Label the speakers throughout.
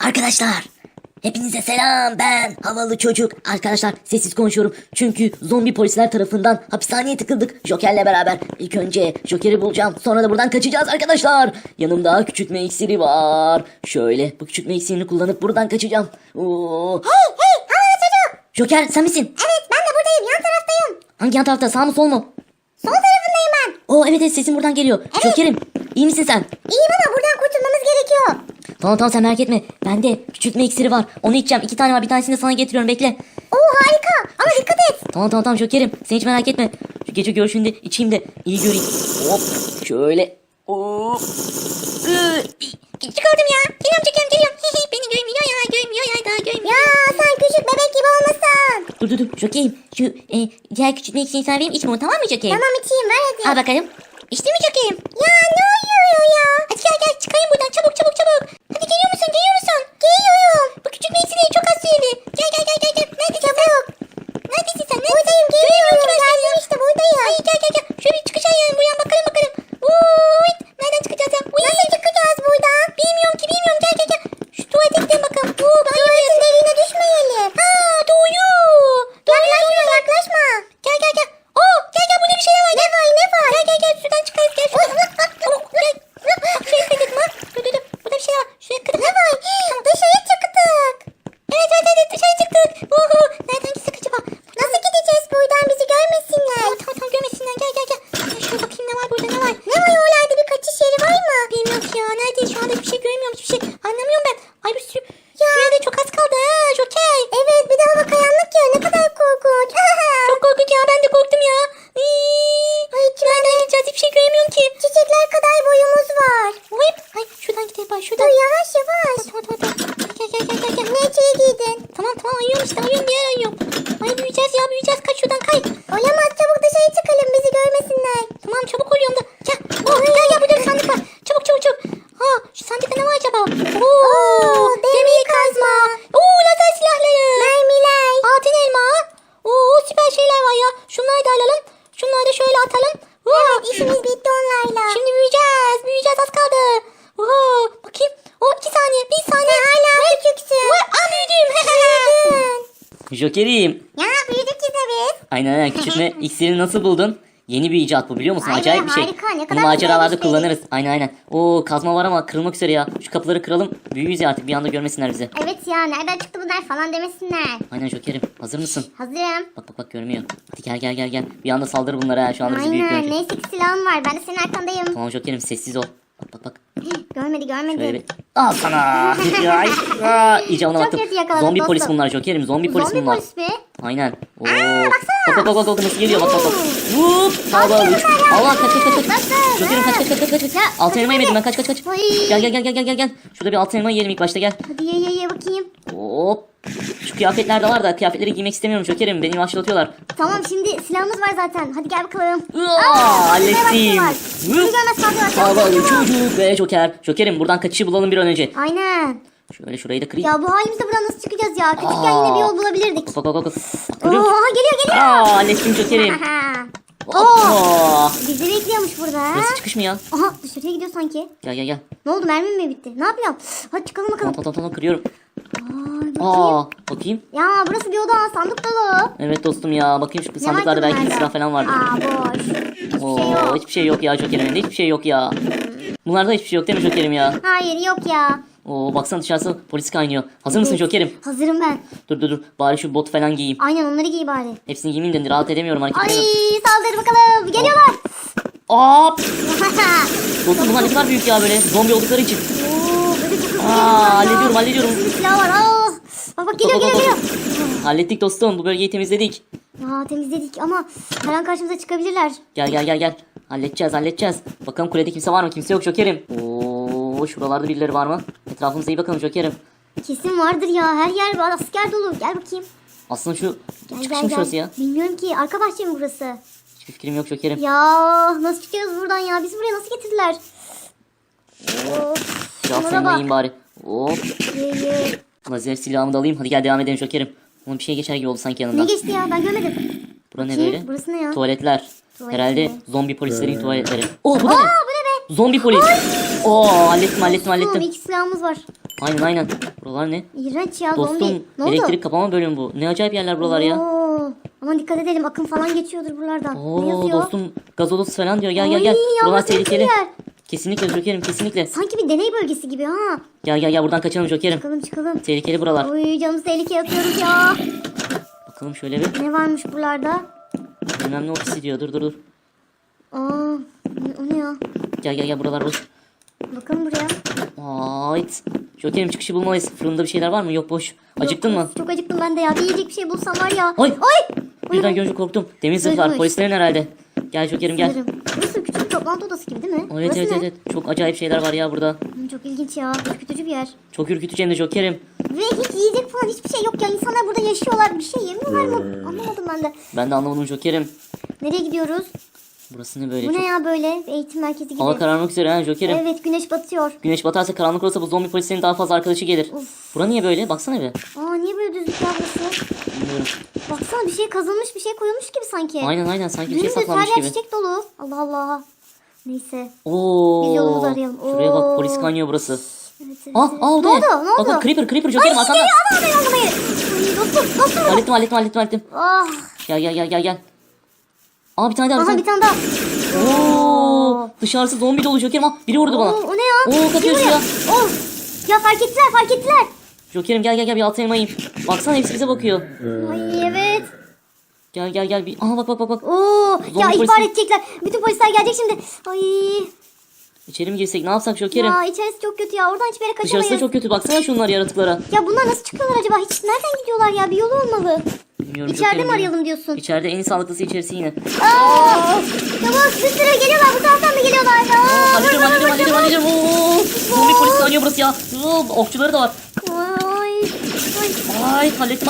Speaker 1: Arkadaşlar hepinize selam, ben havalı çocuk. Arkadaşlar sessiz konuşuyorum çünkü zombi polisler tarafından hapishaneye tıkıldık Joker'le beraber. İlk önce Joker'i bulacağım, sonra da buradan kaçacağız arkadaşlar. Yanımda küçültme iksiri var. Şöyle bu küçültme iksirini kullanıp buradan kaçacağım. Oo.
Speaker 2: Hey havalı çocuk.
Speaker 1: Joker sen misin?
Speaker 2: Evet ben de buradayım, yan taraftayım.
Speaker 1: Hangi yan tarafta, sağ mı sol mu?
Speaker 2: Sol tarafındayım ben.
Speaker 1: Oo evet sesin buradan geliyor.
Speaker 2: Evet.
Speaker 1: Joker'im iyi misin sen?
Speaker 2: İyiyim ama buradan kurtulmamız gerekiyor.
Speaker 1: Tamam sen merak etme, bende küçültme iksiri var, onu içeceğim. 2 tane var, bir tanesini de sana getiriyorum, bekle.
Speaker 2: Oo harika ama dikkat et.
Speaker 1: Tamam Joker'im, sen hiç merak etme. Şu gece görüşünde içeyim de iyi göreyim. Hop şöyle. Hop.
Speaker 2: Çıkardım ya. Geliyorum. Beni görmüyor ya daha görmüyor. Ya sen küçük bebek gibi olmasın.
Speaker 1: Dur Joker'im, şu diğer küçültme iksirini sana vereyim, içme onu, tamam mı Joker'im?
Speaker 2: Tamam içeyim ver hadi.
Speaker 1: Al bakalım.
Speaker 2: İçti mi çakayım? Ya ne oluyor ya? Hadi gel çıkayım buradan çabuk. Hadi geliyor musun? Geliyorum. Bu küçük meysileri çok az süreli. Gel. Neredesin sen? Neredesin sen? Buradayım geliyorum. Geldim işte buradayım. Ay gel. Şöyle bir çıkış ayarlayalım buradan bakalım. Uy, nereden çıkacağız ya? Nasıl çıkacağız buradan? Bilmiyorum. Gel. Şu tuvalete gidelim bakalım. Tuvaletin deliğine düşmeyelim. Doğru. Yaklaşma. Gel. Gel burada bir şeyler var. Ne var? Gel şuradan çıkarız. Gel şuradan. Gel. Şuraya kırdık mı? Dur. Burada bir şey var. Şuraya kırdık. Ne var? Dışarı çıktık. Evet dışarı çıktık. Nereden gitsek acaba? Nasıl gideceğiz buradan, bizi görmesinler? Tamam görmesinler. Gel. Şuraya bakayım ne var burada. Ne var oralarda, bir kaçış yeri var mı? Bilmiyorum ki ya. Nerede? Şu anda hiçbir şey göremiyorum. Hiçbir şey anlamıyorum ben. Ay bir sürü. Şuraya çok az kaldı ha Joker. Evet bir de hava karanlık ya, ne kadar korkunç. Çok korkunç ya, ben de korktum ya. Nereden gideceğiz, hiçbir şey göremiyorum ki. Çiçekler kadar boyumuz var. Ay şuradan gidelim bak, şuradan. Dur yavaş. Tamam. Ne içeri giydin? Tamam ayıyorum işte, diğer ayıyorum. Ay büyüyeceğiz, kaç şuradan kay. Olamaz, çabuk dışarı çıkalım, bizi görmesinler. Tamam çabuk oluyorum da. Gel burada bir sandık var. Çabuk. Şu sandıkta ne var acaba? Demir kazma. Lazer silahları. Mermiler. Altın elma. Süper şeyler var ya. Şunları da alalım. Şunları da şöyle atalım. Evet işimiz bitti onlarla. Şimdi büyüyeceğiz az kaldı. Bakayım. 2 saniye, 1 saniye. Hala küçüksün. Büyüdüm.
Speaker 1: Joker'im.
Speaker 2: Ya büyüdük ki tabii.
Speaker 1: Aynen küçültme iksirini nasıl buldun? Yeni bir icat bu, biliyor musun?
Speaker 2: Aynen,
Speaker 1: Acayip bir şey.
Speaker 2: harika. Ne kadar
Speaker 1: Bunu maceralarda
Speaker 2: güzel bir şey.
Speaker 1: kullanırız. Aynen. Kazma var ama kırılmak üzere ya. Şu kapıları kıralım. Büyüyüz ya artık, bir anda görmesinler bizi.
Speaker 2: Evet ya, nereden çıktı bunlar falan demesinler.
Speaker 1: Aynen Joker'im. Hazır mısın?
Speaker 2: Hazırım.
Speaker 1: Bak görmüyor. Hadi gel. Bir anda saldır bunlara ha. Şu anda bizi büyük
Speaker 2: Aynen,
Speaker 1: görecek.
Speaker 2: neyse ki silahım var, ben de senin arkandayım.
Speaker 1: Tamam Joker'im, sessiz ol. Bak.
Speaker 2: Görmedi.
Speaker 1: Şöyle bir... Al sana. İyice ona
Speaker 2: Çok
Speaker 1: baktım.
Speaker 2: kötü yakaladık
Speaker 1: Zombi
Speaker 2: dostum.
Speaker 1: polis bunlar Joker'im. Zombi polis bunlar.
Speaker 2: polis mi?
Speaker 1: Aynen.
Speaker 2: baksana.
Speaker 1: Bak nasıl geliyor, bak. Vup. Allah kaç. Joker'im kaç. Altın elma yemedim ben, kaç.
Speaker 2: Ay.
Speaker 1: Gel. Şurada bir altın elma yiyelim ilk başta, gel.
Speaker 2: Hadi ye bakayım.
Speaker 1: Hop. Şu kıyafetler de var da kıyafetleri giymek istemiyorum Joker'im. Beni yavaşlatıyorlar.
Speaker 2: Tamam şimdi silahımız var zaten. Hadi gel bakalım.
Speaker 1: Hallettim.
Speaker 2: Bizi görmez kaldılar.
Speaker 1: Havalı çocuk ve Joker. Joker'im buradan kaçışı bulalım bir an önce.
Speaker 2: Aynen.
Speaker 1: Şöyle şurayı da kırayım.
Speaker 2: Ya bu halimizde buradan nasıl çıkacağız ya? Küçükken yine bir yol bulabilirdik.
Speaker 1: Bak.
Speaker 2: Oha geliyor.
Speaker 1: Hallettim Joker'im.
Speaker 2: Oo. Bizi bekliyormuş burada.
Speaker 1: Burası çıkış mı ya?
Speaker 2: Aha dışarıya gidiyor sanki.
Speaker 1: Gel.
Speaker 2: Ne oldu, mermim mi bitti? Ne yapıyorum? Hadi çıkalım bakalım.
Speaker 1: Tamam kırıyorum.
Speaker 2: Bakayım.
Speaker 1: Bakayım.
Speaker 2: Ya burası bir oda, sandık dolu.
Speaker 1: Evet dostum ya, bakayım şu
Speaker 2: Ne
Speaker 1: sandıklarda
Speaker 2: var
Speaker 1: belki bir
Speaker 2: bunlarda?
Speaker 1: silah falan vardır.
Speaker 2: Boş.
Speaker 1: Hiçbir şey yok ya Joker'im, hiçbir şey yok ya. Bunlarda hiçbir şey yok değil mi Joker'im ya?
Speaker 2: Hayır yok ya.
Speaker 1: Baksana dışarısı polis kaynıyor. Hazır mısın Joker'im?
Speaker 2: Hazırım ben.
Speaker 1: Dur. Bari şu botu falan giyeyim.
Speaker 2: Aynen onları giy bari.
Speaker 1: Hepsini giymeyeyim de rahat edemiyorum, hareket
Speaker 2: Ay
Speaker 1: edemiyorum.
Speaker 2: saldır bakalım. Geliyorlar.
Speaker 1: Hop. Dostum bunlar ne kadar büyük ya, böyle zombi oldukları için.
Speaker 2: Böyle çok hızlı
Speaker 1: Hallediyorum.
Speaker 2: Bir silah var. Bak geliyor.
Speaker 1: Hallettik dostum, bu bölgeyi temizledik.
Speaker 2: Temizledik ama her an karşımıza çıkabilirler.
Speaker 1: Gel. Halledeceğiz. Bakalım kulede kimse var mı? Kimse yok Joker'im. Şuralarda birileri var mı? Etrafımıza iyi bakalım Joker'im.
Speaker 2: Kesin vardır ya. Her yer var. Asker dolu. Gel bakayım.
Speaker 1: Aslında şu
Speaker 2: Gel,
Speaker 1: çıkış mı şurası ya?
Speaker 2: Bilmiyorum ki. Arka bahçe mi burası?
Speaker 1: Hiçbir fikrim yok Joker'im.
Speaker 2: Ya nasıl çıkacağız buradan ya? Bizi buraya nasıl getirdiler?
Speaker 1: Biraz
Speaker 2: şunlara
Speaker 1: seninle
Speaker 2: bak.
Speaker 1: yiyeyim bari. Hop.
Speaker 2: Ye.
Speaker 1: Lazer silahımı da alayım. Hadi gel devam edelim Joker'im. Onun bir şey geçer gibi oldu sanki
Speaker 2: Ne
Speaker 1: yanından.
Speaker 2: geçti ya? Ben görmedim.
Speaker 1: Bura ne
Speaker 2: Bakayım,
Speaker 1: böyle?
Speaker 2: burası ne ya?
Speaker 1: Tuvaletler.
Speaker 2: Tuvalet
Speaker 1: Herhalde
Speaker 2: mi?
Speaker 1: zombi polislerin tuvaletleri. Bu ne?
Speaker 2: Bu ne be?
Speaker 1: Zombi polis. Hallettim.
Speaker 2: Oğlum, 2 silahımız var.
Speaker 1: Aynen aynen. Buralar ne?
Speaker 2: İğrenç ya zombi.
Speaker 1: Dostum
Speaker 2: Ne oldu?
Speaker 1: elektrik kapama bölümü bu. Ne acayip yerler buralar ya.
Speaker 2: Oo, aman dikkat edelim akım falan geçiyordur buralardan. Ne
Speaker 1: Oo
Speaker 2: yazıyor?
Speaker 1: dostum gaz odası falan diyor. Gel gel
Speaker 2: Ay,
Speaker 1: gel. Buralar
Speaker 2: yalnız
Speaker 1: tehlikeli.
Speaker 2: yer.
Speaker 1: Kesinlikle Joker'im kesinlikle.
Speaker 2: Sanki bir deney bölgesi gibi ha.
Speaker 1: Gel gel gel buradan kaçalım Joker'im.
Speaker 2: Çıkalım çıkalım.
Speaker 1: Tehlikeli buralar.
Speaker 2: Oy canımızı tehlikeye atıyoruz ya.
Speaker 1: Bakalım şöyle bir.
Speaker 2: Ne varmış buralarda?
Speaker 1: Bilmem ne ofisi diyor. Dur dur dur.
Speaker 2: Aa, o ne ya?
Speaker 1: Gel gel gel buralar boş.
Speaker 2: Bakalım buraya.
Speaker 1: Ait. Joker'im çıkışı bulmalıyız. Fırında bir şeyler var mı? Yok boş. Acıktın
Speaker 2: Yok,
Speaker 1: mı?
Speaker 2: Çok acıktım ben de ya. Bir yiyecek bir şey bulsam var ya.
Speaker 1: Ay!
Speaker 2: Ay!
Speaker 1: Birden görünce korktum. Demir zırhlar.
Speaker 2: Zırhmış.
Speaker 1: Polislerin herhalde. Gel Joker'im gel.
Speaker 2: Sanırım. Burası küçük bir toplantı odası gibi değil mi?
Speaker 1: Evet
Speaker 2: Burası
Speaker 1: evet
Speaker 2: ne?
Speaker 1: evet. Çok acayip şeyler var ya burada.
Speaker 2: Çok ilginç ya. Ürkütücü bir yer.
Speaker 1: Çok ürkütücü hem de Joker'im.
Speaker 2: Ve hiç yiyecek falan hiçbir şey yok ya. İnsanlar burada yaşıyorlar. Bir şey yemiyorlar mı? Anlamadım ben de.
Speaker 1: Ben de anlamadım Joker'im.
Speaker 2: Nereye gidiyoruz?
Speaker 1: Burası ne böyle?
Speaker 2: Bu
Speaker 1: Çok...
Speaker 2: ne ya böyle? Eğitim merkezi gibi.
Speaker 1: Hava kararmak üzere ha Joker'im.
Speaker 2: Evet güneş batıyor.
Speaker 1: Güneş batarsa karanlık olursa bu zombi polislerin daha fazla arkadaşı gelir. Bura niye böyle? Baksana bir.
Speaker 2: Aa niye böyle düzlük ya burası?
Speaker 1: Bilmiyorum.
Speaker 2: Baksana bir şey kazılmış bir şey koyulmuş gibi sanki.
Speaker 1: Aynen aynen sanki bir şey
Speaker 2: Dümdüz her
Speaker 1: saklanmış
Speaker 2: yer
Speaker 1: gibi.
Speaker 2: çiçek dolu. Allah Allah. Neyse.
Speaker 1: Oo.
Speaker 2: Biz yolumuzu arayalım.
Speaker 1: Şuraya bak
Speaker 2: Oo.
Speaker 1: polis kaynıyor burası.
Speaker 2: Evet, evet,
Speaker 1: Ah
Speaker 2: evet.
Speaker 1: ah o da
Speaker 2: Ne oldu? Ne oldu?
Speaker 1: Bak bak Creeper Joker'im
Speaker 2: Ay
Speaker 1: arkanda.
Speaker 2: geliyor ana ana yardıma gel. Ay dostum.
Speaker 1: Hallettim.
Speaker 2: Ah.
Speaker 1: Gel. Aa bir tane daha.
Speaker 2: Aha bir tane daha.
Speaker 1: Oo. Dışarısı zombi dolu Joker'im. Ah biri vurdu bana.
Speaker 2: Oo, o ne ya?
Speaker 1: Oo kaçıyor
Speaker 2: Kim
Speaker 1: ya.
Speaker 2: vuruyor? Oh. Ya fark ettiler.
Speaker 1: Joker'im gel bir altı elmayayım. Baksana hepsi bize bakıyor.
Speaker 2: Ay evet.
Speaker 1: Gel bir. Aha bak.
Speaker 2: Oo. Ya
Speaker 1: Zombi
Speaker 2: ihbar
Speaker 1: polisi.
Speaker 2: edecekler. Bütün polisler gelecek şimdi. Ay.
Speaker 1: İçeri mi girsek ne yapsak Joker'im?
Speaker 2: Ya içerisi çok kötü ya. Oradan hiçbir yere kaçamayız.
Speaker 1: Dışarısı da çok kötü. Baksana şunlar yaratıklara.
Speaker 2: Ya bunlar nasıl çıkıyorlar acaba? Hiç nereden gidiyorlar ya? Bir yolu olmalı.
Speaker 1: Bilmiyorum
Speaker 2: İçeride
Speaker 1: Joker'im,
Speaker 2: mi arayalım diyorsun?
Speaker 1: İçeride en sağlıklısı içerisi yine.
Speaker 2: Aa! Çabuk bir sürü geliyorlar. Bu taraftan mı geliyorlar? Aa,
Speaker 1: Hallediyorum. Oo. Zombi polis kaynıyor burası ya. Oo, okçuları da var.
Speaker 2: Ay.
Speaker 1: Ay hallettim.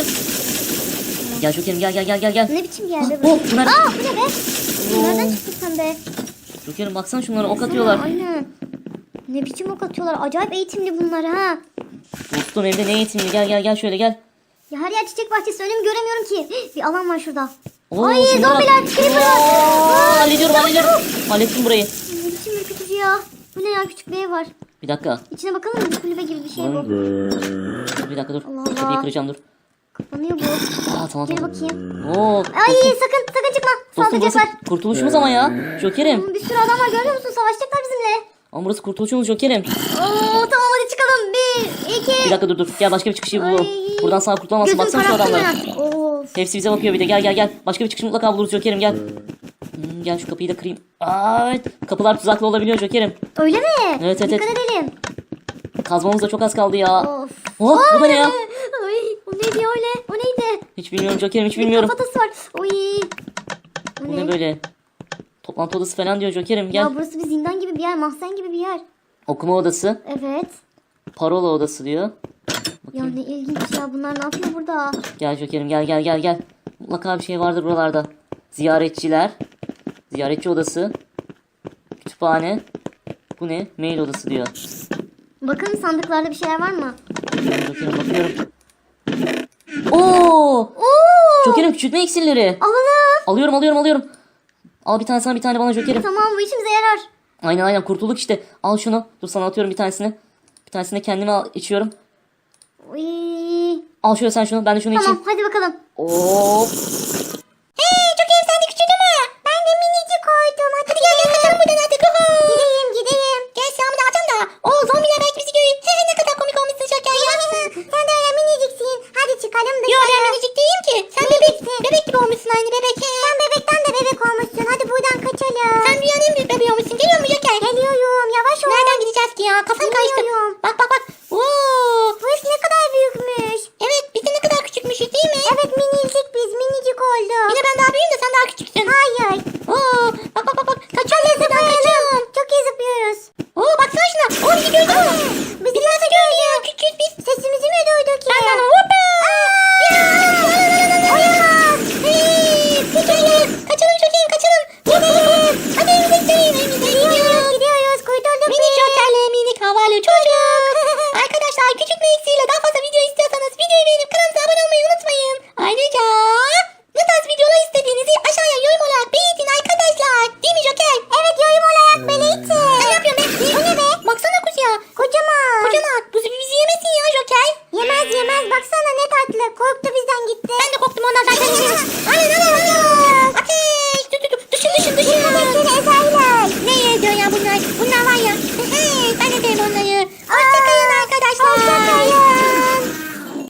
Speaker 1: Gel Joker'im gel.
Speaker 2: Ne biçim bir yerde
Speaker 1: Ah,
Speaker 2: böyle?
Speaker 1: oh, bunlar-
Speaker 2: Aa bu ne be? Nereden çıktın sen be?
Speaker 1: Joker'im baksana şunlara ok atıyorlar.
Speaker 2: Aynen. Ne biçim ok atıyorlar? Acayip eğitimli bunlar ha.
Speaker 1: Dostum hem de ne eğitimli. Gel şöyle gel.
Speaker 2: Ya her yer çiçek bahçesi önümü göremiyorum ki. Bir alan var şurada.
Speaker 1: Oo,
Speaker 2: Ay
Speaker 1: şunlara bak.
Speaker 2: zombiler, creeper'lar.
Speaker 1: Oo,
Speaker 2: Aa,
Speaker 1: Hallediyorum. Hallettim burayı.
Speaker 2: Ne biçim ürkütücü ya. Bu ne ya küçük bir ev var.
Speaker 1: Bir dakika.
Speaker 2: İçine bakalım mı? Kulübe gibi bir şey bu.
Speaker 1: Bir dakika dur.
Speaker 2: Allah Allah.
Speaker 1: Kapıyı kıracağım dur.
Speaker 2: Kapanıyor bu.
Speaker 1: Aa tamam.
Speaker 2: Gel bakayım.
Speaker 1: Oo.
Speaker 2: Ay sakın çıkma.
Speaker 1: Dostum burası
Speaker 2: Saldıracaklar.
Speaker 1: kurtuluşumuz ama ya. Joker'im.
Speaker 2: Bir sürü adam var görüyor musun? Savaşacaklar bizimle.
Speaker 1: Ama burası kurtuluşumuz Joker'im.
Speaker 2: Oo tamam hadi çıkalım. 1, 2.
Speaker 1: Bir dakika dur. Gel başka bir çıkışı bulalım.
Speaker 2: Ay.
Speaker 1: Buradan sağ kurtulamazsın.
Speaker 2: Gözüm
Speaker 1: Baksana şu
Speaker 2: kararttı
Speaker 1: adamlara.
Speaker 2: ya. Of.
Speaker 1: Hepsi bize bakıyor bir de. Gel. Başka bir çıkış mutlaka buluruz Joker'im gel. Gel şu kapıyı da kırayım. Ay, kapılar tuzaklı olabiliyor Joker'im.
Speaker 2: Öyle mi?
Speaker 1: Evet.
Speaker 2: Dikkat edelim.
Speaker 1: Kazmamız da çok az kaldı ya.
Speaker 2: Of.
Speaker 1: Oh, bu da ne ya?
Speaker 2: Ay, o neydi öyle? O neydi?
Speaker 1: Hiç bilmiyorum Joker'im hiç
Speaker 2: Bir
Speaker 1: bilmiyorum.
Speaker 2: kafatası var. Oy.
Speaker 1: Bu ne böyle? Toplantı odası falan diyor Joker'im gel.
Speaker 2: Ya burası bir zindan gibi bir yer. Mahzen gibi bir yer.
Speaker 1: Okuma odası.
Speaker 2: Evet.
Speaker 1: Parola odası diyor.
Speaker 2: Ya ne ilginç ya. Bunlar ne yapıyor burada?
Speaker 1: Gel Joker'im gel. Mutlaka bir şey vardır buralarda. Ziyaretçiler. Ziyaretçi odası. Kütüphane. Bu ne? Mail odası diyor.
Speaker 2: Bakalım sandıklarda bir şeyler var mı?
Speaker 1: Joker'im bakıyorum. Oo!
Speaker 2: Oo.
Speaker 1: Joker'im küçültme iksirleri.
Speaker 2: Alalım.
Speaker 1: Alıyorum. Al bir tane sana bir tane bana Joker'im.
Speaker 2: Tamam bu işimize yarar.
Speaker 1: Aynen kurtulduk işte. Al şunu. Dur sana atıyorum bir tanesini. Bir tanesini de kendime içiyorum.
Speaker 2: Oy.
Speaker 1: Al şöyle sen şunu ben de şunu
Speaker 2: Tamam
Speaker 1: içeyim.
Speaker 2: hadi bakalım.
Speaker 1: Oo!
Speaker 2: Hey çok iyi sen de küçüldü mü? Ben de minicik koydum. Hadi gel kaçalım buradan artık. Gideyim. Gel silahımı da alacağım da. Oo zombiler belki bizi görüyor. Ne kadar komik olmuşsun Şoker ya. Sen de öyle miniciksin. Hadi çıkalım dışarı. Yok ben minicik değilim ki. Sen bebek gibi olmuşsun aynı bebek. Sen bebekten de bebek olmuşsun. Hadi buradan kaçalım. Sen dünyanın en büyük bebeği olmuşsun. Geliyor mu Şoker? Geliyorum. Yavaş ol. Nereden gideceğiz ki ya? Kafam karıştı. Bak. Oo. Burası ne kadar büyükmüş. Evet biz de ne kadar küçükmüşüz değil mi? Evet minicik biz minicik olduk. Yine ben daha büyüğüm de sen daha küçüksün. Hayır. Oo. Bak. Kaçalım buradan kaçalım. Çok iyi zıplıyoruz. Oo baksana şuna. Oo bizi gördün mü? Bizi nasıl gördün? Küçük biz. Sesimizi mi duydu ki? Ben de hoppa. Olamaz. Kaçalım çocuğum kaçalım. Hadi evimize gidiyoruz. Kurtulduk. Minik şokerle minik havalı çocuk. Arkadaşlar küçük bir iksiyle daha fazla